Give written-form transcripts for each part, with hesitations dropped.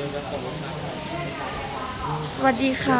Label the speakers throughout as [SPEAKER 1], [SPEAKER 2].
[SPEAKER 1] สวัสดีค่ะ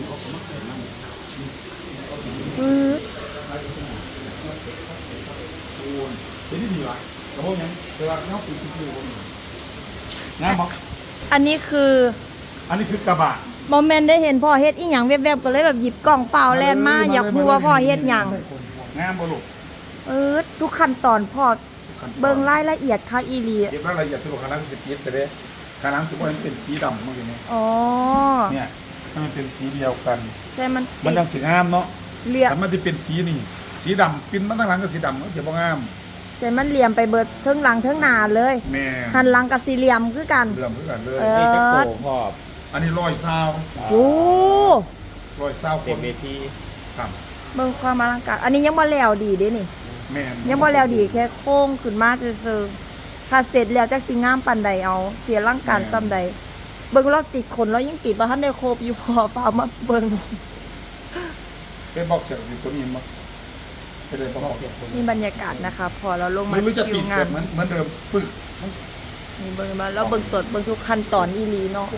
[SPEAKER 2] เป็นที่ดีวะกระโปรงยังแต่ว่าเงาปีกคือๆงามบ่
[SPEAKER 1] อันนี้คือ
[SPEAKER 2] อันนี้คือกระบะ
[SPEAKER 1] โมเมนต์ได้เห็นพ่อเฮ็ดอีหยังแวบๆก็เลยแบบหยิบกล่องเปล่าแลนมาอยากรู้ว่าพ่อเฮ็ดหยัง
[SPEAKER 2] งามบ่ลูก
[SPEAKER 1] ทุกขั้นตอนพ่อเบิ่งรายละเอียดคักอีหลี
[SPEAKER 2] เก็บรายละเอียดตัวขนาด10เมตรไปเด้ขนาดสิบ่ให้มันเป็นสีดำมันอย่างนี้
[SPEAKER 1] อ๋อ
[SPEAKER 2] เนี่ยให้มันเป็นสีเดียวกัน
[SPEAKER 1] ใช่มัน
[SPEAKER 2] จังสิงามเนาะ
[SPEAKER 1] เรียบ
[SPEAKER 2] แต่มันสิเป็นสีนี่สีดำปิ้นมาทั้งหลังก็สีดำมันสิบ่งาม
[SPEAKER 1] ใช่มันเหลี่ยมไปเบิดเทิงหลังเทิงหน้าเลย
[SPEAKER 2] แม่
[SPEAKER 1] หันหลังกับสี่เหลี่ยมคือกัน
[SPEAKER 2] เหลี่ยมคือกันเลย
[SPEAKER 3] นี่จะโตพ่อ
[SPEAKER 2] อันนี้
[SPEAKER 1] โอ้
[SPEAKER 2] 120
[SPEAKER 3] เต็มเวที
[SPEAKER 2] ครับ
[SPEAKER 1] เบิ่งความอลังการอันนี้ยังบ่แล้วดีเด้นี่
[SPEAKER 2] แม่
[SPEAKER 1] ยังบ่แล้วดีแค่โค้งขึ้นมาซื่อๆถ้าเสร็จแล้วจักสิงามปานใดเอาเสียร่างการซ้ำใดเบิ่งเราติดขนเรายังติดบ่ทันได้ครบอยู่พอฟ้ามาเบิ่ง
[SPEAKER 2] เป็นบอกเสียงสิตัวนี้มั้งไปเลยบอกเสียง
[SPEAKER 1] นี่บรรยากาศนะคะพอเราลงมา
[SPEAKER 2] ไม่จะติดแบบเหมือนเดิมปึ๊ก
[SPEAKER 1] นี่เบิ่งมาแล้วเบิ่งตรวจเบิ่งทุกขั้นตอนอีหลีเนาะ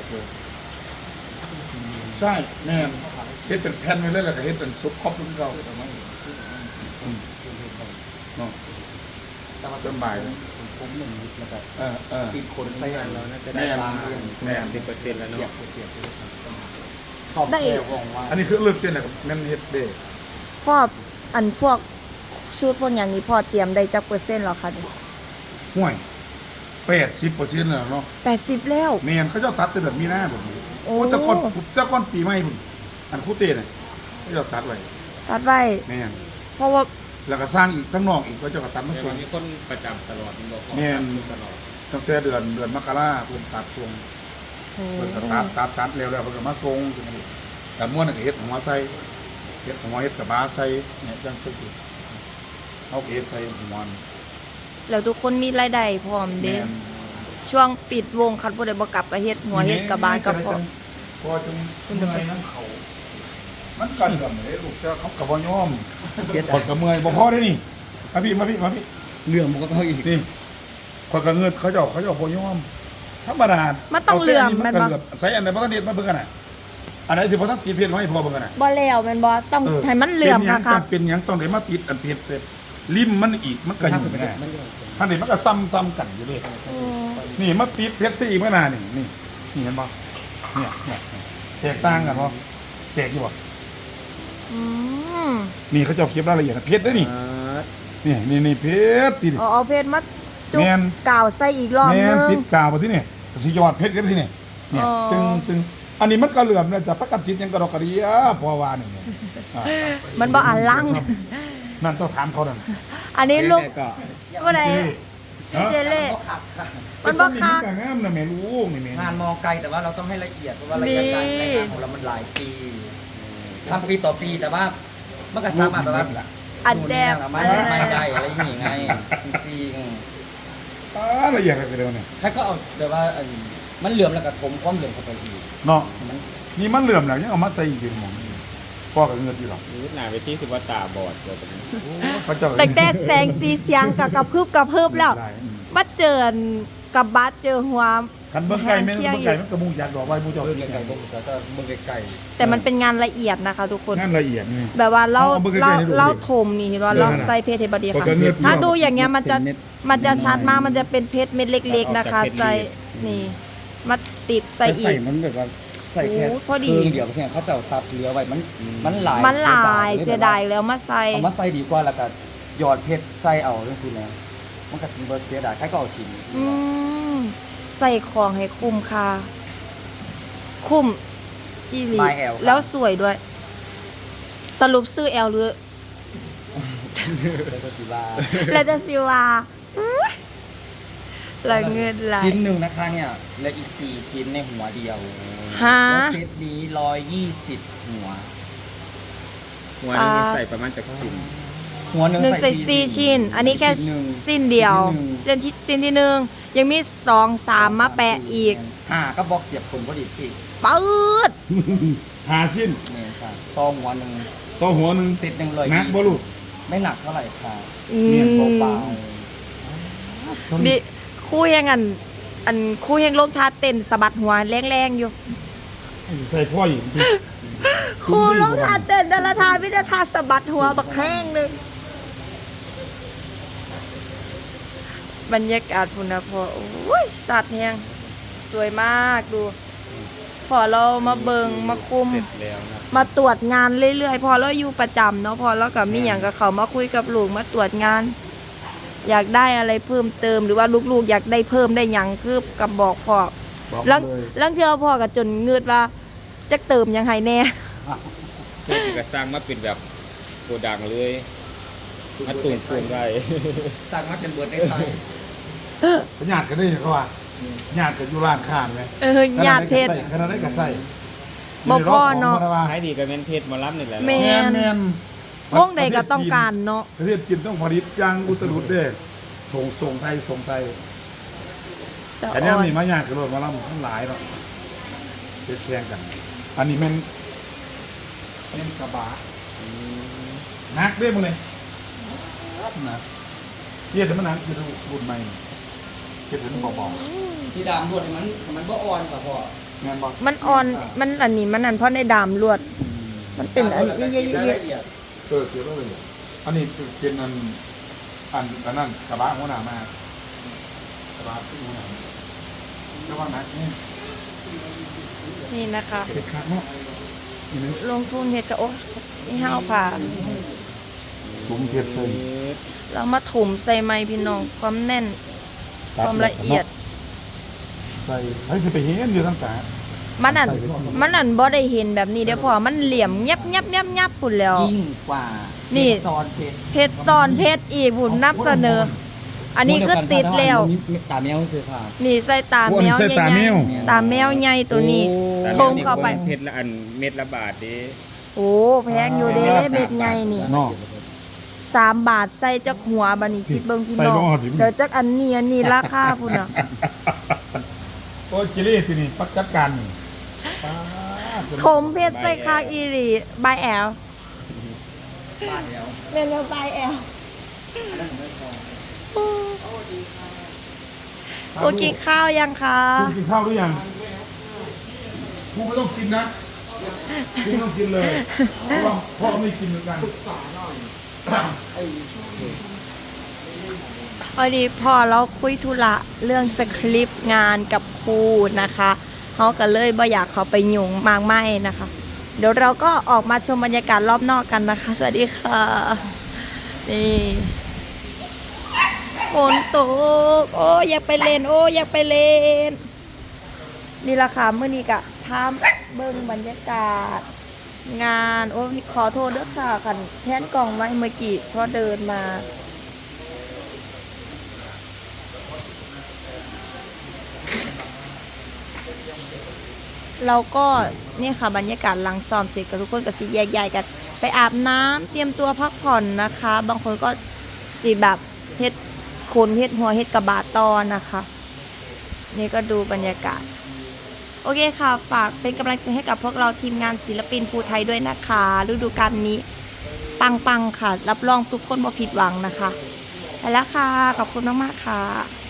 [SPEAKER 2] ใช่แม่เฮ็ดเป็นแผ่นไว้เลยแล้วก็เฮ็ดเป็นซุปครอบทุกเราเนาะแต่ว่าต้นใบ
[SPEAKER 3] ผมหนึ่งนิดแล้วแบบติดขนใส่กันแล้วน่าจะได้บาง
[SPEAKER 2] แม่
[SPEAKER 3] 10%แล้วเนาะ
[SPEAKER 1] ได้
[SPEAKER 2] อันนี้คือเลือกเส้นอะไรกับแม่นเฮ็ดเด้
[SPEAKER 1] พ่ออันพวกชุดพวกอย่างนี้พ่อเตรียมได้จักเปอร์เซ็นต์หรอคะ
[SPEAKER 2] ห่วย80%แล้วเนาะ
[SPEAKER 1] 80แล้ว
[SPEAKER 2] แม่นเขาเจ้าตัดแต่แบบมีหน้าแบบนี้โอ้เจ้าก้อนปีใหม่พุ่นอันคู่เต้น่ะเขาเจ้าตัดไว้แม่น
[SPEAKER 1] เพราะว่า
[SPEAKER 2] แล้วก็สร้างอีกทั้งนอกอีกก็เจ้าก็ตัดมาส่ง
[SPEAKER 3] มีคนประจำตลอด
[SPEAKER 2] แม่นตั้งแต่เดือนมกราคมเพิ่นตัดส่งเพิ่นก็ตัดแล้วเพิ่นก็มาส่งจังซี่แต่ม่วนก็เฮ็ดหัวใส่เฮ็ดหัวเฮ็ดกระบะใส่เนี่ยจังซี่เอาเฮ็ดใส่หัว
[SPEAKER 1] แล้วทุกคนมีรายได้พร้อมเด้ช่วงปิดวงคันบ่ได้บ่กลับก็เฮ็ดหัวเฮ็ดกระบะกับ
[SPEAKER 2] พอจึงเมื่อยน้ำเขามันกันกับเด้ลูกเจ้าเขาก็บ่ยอมคนก็เมื่อยบ่พอได้นี่มาพี่
[SPEAKER 3] เรื่องมันก็ต้องอีก
[SPEAKER 2] นี่คนก็เงินเขาเจ้าบ่ยอมธรรมดา
[SPEAKER 1] มันต้องเหลื่อมมันบ่
[SPEAKER 2] ใส่อันไหนบ่ต้องเด็ดมาเบิ่งกันน่ะอันไหนที่บ่ต้องติดเพชรให้พอเบิ่งกันน่ะ
[SPEAKER 1] บ่แล้วแม่นบ่ต้องให้มันเหลื่อมค่ะ
[SPEAKER 2] เป็นหยังต้องได้มาติดอันเพชรเสร็จริมมันอีกมันก็อยู่แน่ท่านนี่มันก็ซ้ำกันอยู่เด้นี่มาติดเพชรซะอีกมื้อหน้านี่เห็นบ่เนี่ยแตกต่างกันบ่แตกอยู่บ่นี่เขาเจ้าเก็บรายละเอียดเพชรได้นี่นี่เพชรติ
[SPEAKER 1] เอาเพชรมาจุกกาวใส่อีกรอบนึง
[SPEAKER 2] ติดกาวมาที่นี่สิยอดเพชรกันที่นี่เนี่ยตึงอันนี้มันก็เหลื่อมนะจะประกันติดยังกระดอกกระเดียพอว่านี่
[SPEAKER 1] มันบ่อันลัง
[SPEAKER 2] นั่นต้องถามเขานั่น
[SPEAKER 1] อันนี้ลูกบ่ได้เจเล่มันบ่คัก
[SPEAKER 2] งามนะแม่ลูกนี่แม่
[SPEAKER 3] งานมองไกลแต่ว่าเราต้องให้ละเอียดเพราะว่าระยะการใช้งานของเรามันหลายปีทำปีต่อปีแต่ว่ามันก็สามารถแบบว่า
[SPEAKER 1] อัดแดด
[SPEAKER 3] ไม่ได้อะไรอย่างงี้ไงจริง
[SPEAKER 2] ๆละเอียดกันเดียวเนี่ย
[SPEAKER 3] ถ้าก็เอาแต่ว่ามันเหลื่อมแล้วก็ถมความเหลื่อมเข้าไปอีก
[SPEAKER 2] เนาะนี่มันเหลื่อมแล้วยังเอามาใส่อีกอยู่หมองพ่อกับเงินอยู่หรอ
[SPEAKER 3] หนาไปที่สิว่าตาบอดเลย
[SPEAKER 1] แต่แต่แสงสีเสียงกับกระพืบแล้วมาเจอกับบัสเจอหัว
[SPEAKER 2] คันเบิ่งไก่มันกระมุงอยากดอกไว้มูเจ้า
[SPEAKER 3] ไก่เบิ่งไก่
[SPEAKER 1] แต่มันเป็นงานละเอียดนะคะทุกคน
[SPEAKER 2] งานละเอียดนี่
[SPEAKER 1] แบบว่าเราถมนี่เห็นว่าเราใส่เพชรเทปดีค่ะถ้าดูอย่างเงี้ยมันจะชัดมากมันจะเป็นเพชรเม็ดเล็กๆนะคะใส่นี่มาติดใส่อีก
[SPEAKER 3] ใส่มันแบบว่าใส่แค่
[SPEAKER 1] พอดี
[SPEAKER 3] เดียวแค่เขาจะตัดเหลือไว้มันหล
[SPEAKER 1] ายเสียดายแล้วมาใส่
[SPEAKER 3] เอามาใส่ดีกว่าแล้วก็หยอดเพชรใส่เอาเรื่องสิแล้วมันก็ทิ้งเบิร์ดเสียดายแค่ก็เอาทิ้ง
[SPEAKER 1] ใส่ของให้คุ้มค่ะคุ้มอีหลีแล้วสวยด้วยสรุปซื้อแอลหรือแล้วจะซิวาละเงินไหล
[SPEAKER 3] ชิ้นหนึ่งนะคะเนี่ยและอีก4ชิ้นในหัวเดียวแล้วเซตนี้120หัวนึงใส่ประมาณจากชิ้นหัวหนึ่ง
[SPEAKER 1] ใส่4ชิ้นอันนี้แค่สิ้นเดียวสิ้นที่1ยังมี2 3มาแปะอีก
[SPEAKER 3] ก็บอกเสียบคนพอดีพี่
[SPEAKER 1] ปื๊ด
[SPEAKER 2] 5ชิ้น
[SPEAKER 3] นี่ค่ะต่อหัวหนึ่งเซตหนึ่งเลย
[SPEAKER 2] หนักบ่ลูก
[SPEAKER 3] ไม่หนักเท่าไหร่ค่ะเนียนเบา
[SPEAKER 1] ดิคุยยังไงอันคู่เฮงลงท่าเต้นสะบัดหัวแรงๆอยู่
[SPEAKER 2] ใส่พ่ออยู่
[SPEAKER 1] ครูลงท่าเต้นดาราทาวิทยาทาสะบัดหัวบักแห้งเลยบรรยากาศพุ่นนะพอโอ้ยสัตว์แหงสวยมากดู พอเรามาเบิงมาคุม
[SPEAKER 4] เสร็จแล้วนะ
[SPEAKER 1] มาตรวจงานเรื่อยๆ พอเราอยู่ประจำเนาะพอเรากับมีอย่างกับเขามาคุยกับลูกมาตรวจงาน อยากได้อะไรเพิ่มเติมหรือว่าลูกๆ อยากได้เพิ่มได้อย่างคือกับบอกพ่อ
[SPEAKER 2] บอก
[SPEAKER 1] แล้ว
[SPEAKER 2] เลย
[SPEAKER 1] แล้วเทื่อพ่อกับจนเงืดว่าจะเติมยังไงแน่
[SPEAKER 4] เพื่อที่จะสร้างมาเป็นแบบโกดังเลยมาตุ่มได้
[SPEAKER 3] สร้างมาเป็นเบิร์ดในไทย
[SPEAKER 2] ญาติกันได้เขาว่าญาติกันอยู่ร้านค้าไหม
[SPEAKER 1] ญาติเพชร
[SPEAKER 2] ขนาดได้ก็ใส่
[SPEAKER 1] บ่พ่อเนาะ
[SPEAKER 4] ขายดีกับแมนเพชรมารับนี่แหละ
[SPEAKER 1] แม่
[SPEAKER 2] แม่น
[SPEAKER 1] วงใดก็ต้องการเนาะ
[SPEAKER 2] ประเทศจีนต้องผลิตยางอุตรุดเด้ส่งไทย แต่เนี้ยมีมาญาติกันรถมาล่ำทั้งหลายเนาะเป็นแข่งกัน อันนี้แม่นกระบะนักเรียบมาเลยนะเรียกแต่มันนักคือรุ่นใหม่เรียกถึงบอก
[SPEAKER 3] สีดำรวดให้มันบ่อ่อนกว่าพ่อ
[SPEAKER 2] งานบอก
[SPEAKER 1] มันอ่อนมันอันนี้มันนั่นเพราะในดามลวด มันเป็นอันนี้เย
[SPEAKER 3] ราย
[SPEAKER 1] อะ
[SPEAKER 3] ละเอียด
[SPEAKER 2] เกี่ยวกับเลยอันนี้เป็นอันนั้นกระบะหัวหน้ามากระบะที่หัวหน้าระวังนะนี่
[SPEAKER 1] ๆนี่นะคะ
[SPEAKER 2] เด็ดขาดเนาะนี่นะ
[SPEAKER 1] ลงทุนเฮ็ดก็โอ้นี่ห้าวผ่า
[SPEAKER 2] ถุงเทียดเส้น
[SPEAKER 1] เรามาถมใส่ไม้พี่น้องความแน่นความละเอียด
[SPEAKER 2] ใส่ให้คือไปเห็นอยู่ตั้งแต่
[SPEAKER 1] มันอันบ่ได้เห็นแบบนี้เด้อพ่อมันเหลี่ยมยับพุ่นแล้ว
[SPEAKER 3] ยิ่งกว่า
[SPEAKER 1] นี่
[SPEAKER 3] ซอนเพชร
[SPEAKER 1] เพชรซ้อนเพชรอีกพุ่นนับเสนอ อันนี้คือติดแล้ว
[SPEAKER 3] ตาแมวซื้อค่ะ
[SPEAKER 1] นี่ใส่ตาแมวใหญ่ๆตาแมวใหญ่ตัวนี้ ทงเข้าไป
[SPEAKER 4] เพชรละอันเม็ดละบาทดิ
[SPEAKER 1] โอ้แพงอยู่เด้เบ็ดใหญ่นี่
[SPEAKER 2] เนาะ
[SPEAKER 1] 3 บาทใส่จักหัวบัดนี้คิดเบิ่งพี่น้อง
[SPEAKER 2] ใส่บ่ฮอดอยู่
[SPEAKER 1] เดี๋ยวจักอันนี้ราคาพุ่นน่ะ
[SPEAKER 2] โอ้ยจิลี่ทีนี้ปักจัดการนี่ป๊าด
[SPEAKER 1] ถมเพชรใส่คางอีหลีบายแอล
[SPEAKER 3] บาทเดียว
[SPEAKER 1] เมนูบายแอล
[SPEAKER 3] อันนั้นผมไม่พอ
[SPEAKER 1] โอ้กินข้าวยังคะ
[SPEAKER 2] คุณกินข้าวหรือยังกูไม่ต้องกินนะกูไม่ต้องกินเลยเพราะว่าพ่อไม่กินเหมือนกัน
[SPEAKER 1] พอดีพอเราคุยธุระเรื่องสคริปต์งานกับครูนะคะเขาก็เลยบ่อยากเขาไปยุ่งมากไม่นะคะ เดี๋ยวเราก็ออกมาชมบรรยากาศรอบนอกกันนะคะ สวัสดีค่ะนี่ฝนตกโอ้อยากไปเล่นโอ้อยากไปเล่นนี่ละค่ะเมื่อนี้กะพามเบิ่งบรรยากาศ งานโอ้ขอโทษด้วยค่ะกันแพนกล่องไว้เมื่อกี้เพราะเดินมา เราก็เนี่ยค่ะบรรยากาศหลังซ้อมเสร็จกับทุกคนก็สิแยกย้ายกัน ไปอาบน้ำเตรียมตัวพักผ่อนนะคะ บางคนก็สิแบบเฮ็ดขนเฮ็ดหัวเฮ็ดกระบาดตอนนะคะ นี่ก็ดูบรรยากาศ โอเคค่ะ ฝากเป็นกำลังใจให้กับพวกเราทีมงานศิลปินภูไทยด้วยนะคะฤดูกาลนี้ ปังๆค่ะ รับรองทุกคนบ่ผิดหวังนะคะไปแล้วค่ะ ขอบคุณมากๆค่ะ